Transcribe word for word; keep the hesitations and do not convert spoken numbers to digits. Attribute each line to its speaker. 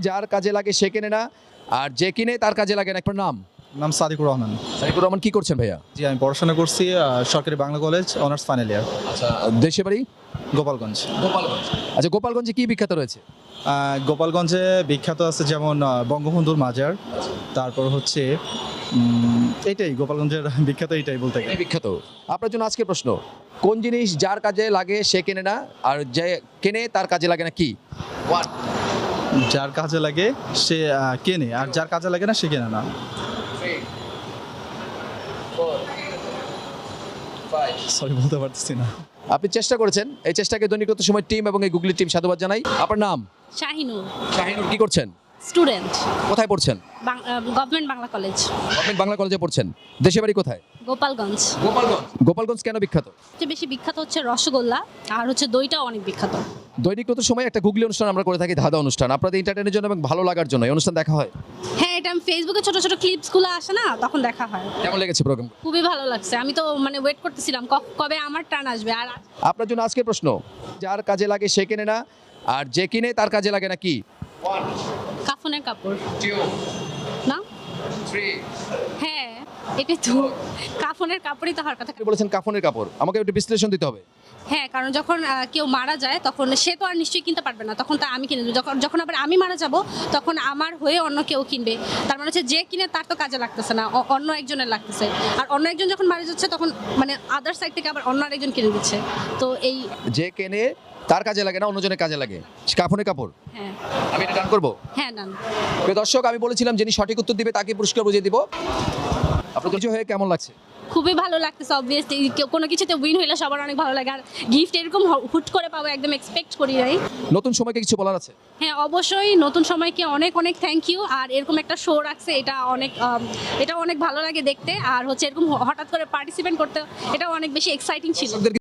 Speaker 1: যার কাজে লাগে সে কেনে না, আর যে কিনে তার কাজে লাগে না। আপনার নাম?
Speaker 2: নাম সাদিকুর রহমান।
Speaker 1: সাইকুর রহমান, কি করছেন ভাইয়া?
Speaker 2: জি, আমি পড়াশোনা করছি আহ, সরকারি Bangla college, honours final year,
Speaker 1: আচ্ছা, দেশে বাড়ি
Speaker 2: গোপালগঞ্জ।
Speaker 1: গোপালগঞ্জ। আচ্ছা, গোপালগঞ্জে কি বিখ্যাত রয়েছে?
Speaker 2: আহ, গোপালগঞ্জে বিখ্যাত আছে যেমন আহ, বঙ্গবন্ধুর মাজার, তারপর হচ্ছে উম, এইটাই গোপালগঞ্জের বিখ্যাত, এইটাই বলতে গেলে।
Speaker 1: এই বিখ্যাত। আপনার জন্য আজকে প্রশ্ন, কোন জিনিস যার কাজে লাগে সে কেনে না, আর যে কেনে তার কাজে লাগে না? কি? ওয়ান।
Speaker 2: যার কাজে লাগে সে আহ, কেনে, আর যার কাজে লাগে না সে কেনে না। সরি, বলতে পারতেছি না।
Speaker 1: আপনি চেষ্টা করেছেন, এই চেষ্টাকে দৈনিক তথ্য সময় টিম এবং এই গুগলি টিম সাধুবাদ জানাই। আপনার নাম?
Speaker 3: শাহিনুর,
Speaker 1: শাহিনুর, কি করছেন?
Speaker 3: স্টুডেন্ট,
Speaker 1: কোথায় পড়ছেন?
Speaker 3: Government Bangla college,
Speaker 1: government Bangla কলেজে পড়ছেন। দেশে বাড়ি কোথায়?
Speaker 3: গোপালগঞ্জ।
Speaker 1: গোপালগঞ্জ। গোপালগঞ্জ কেন বিখ্যাত?
Speaker 3: সবচেয়ে বেশি বিখ্যাত হচ্ছে রসগোল্লা, আর হচ্ছে দইটাও অনেক বিখ্যাত।
Speaker 1: দৈনিক তথ্য সময় একটা গুগলি অনুষ্ঠান আমরা করে থাকি, ধাঁধা অনুষ্ঠান। আপনাদের এন্টারটেইনের জন্য এবং ভালো লাগার জন্য এই অনুষ্ঠান দেখা হয়।
Speaker 3: হ্যাঁ, এটা আমি ফেসবুকে ছোট ছোট ক্লিপসগুলো আসে না, তখন দেখা হয়।
Speaker 1: কেমন লেগেছে প্রোগ্রাম?
Speaker 3: খুবই ভালো লাগছে। আমি তো মানে ওয়েট করতেছিলাম ক- কবে আমার টার্ন আসবে। আর
Speaker 1: আপনার জন্য আজকে প্রশ্ন, যার কাজে লাগে সে কেনে না, আর যে কিনে তার কাজে লাগে না। কি?
Speaker 3: কাফনের কাপড় না? হ্যাঁ, এটা তো কাফনের কাপড়ই তো হওয়ার কথা।
Speaker 1: আপনি বলেছেন কাফনের কাপড়, আমাকে একটু বিশ্লেষণ দিতে হবে।
Speaker 3: হ্যাঁ, কারণ যখন আহ, কেউ মারা যায় তখন সে তো আর নিশ্চয়ই কিনতে পারবে না, তখন তা আমি কিনে দেবো। যখন যখন আবার আমি মারা যাব তখন আমার হয়ে অন্য কেউ কিনবে। তার মানে হচ্ছে যে কিনে তার তো কাজে লাগতেছে না, অ- অন্য একজনের লাগতেছে। আর অন্য একজন যখন মারা যাচ্ছে তখন মানে আদার সাইড থেকে আবার অন্য আরেকজন কিনে দিচ্ছে। তো এই
Speaker 1: যে কেনে তার কাজে লাগে না, অন্যজনের কাজে লাগে। কাফনের কাপড়।
Speaker 3: হ্যাঁ
Speaker 1: আমি এটা ডান করবো।
Speaker 3: হ্যাঁ না
Speaker 1: প্রিয় দর্শক, আমি বলেছিলাম যিনি সঠিক উত্তর দিবে তাকে পুরস্কার বুঝিয়ে দিব। আপনার কিছু হয়ে কেমন লাগছে?
Speaker 3: খুবই ভালো লাগতেছে। অবভিয়াসলি কোনো কিছুতে উইন হইলে সবার অনেক ভালো লাগে। আর গিফট এরকম হ- হুট করে পাবো একদম এক্সপেক্ট করি নাই।
Speaker 1: নতুন সময়কে কিছু বলার আছে?
Speaker 3: হ্যাঁ, অবশ্যই নতুন সময়কে অনেক অনেক থ্যাংক ইউ। আর এরকম একটা শো রাখছে, এটা অনেক আম, এটা অনেক ভালো লাগে দেখতে। আর হচ্ছে এরকম হ- হঠাৎ করে পার্টিসিপেট করতে, এটা অনেক বেশি এক্সাইটিং ছিল।
Speaker 1: দর্শকদের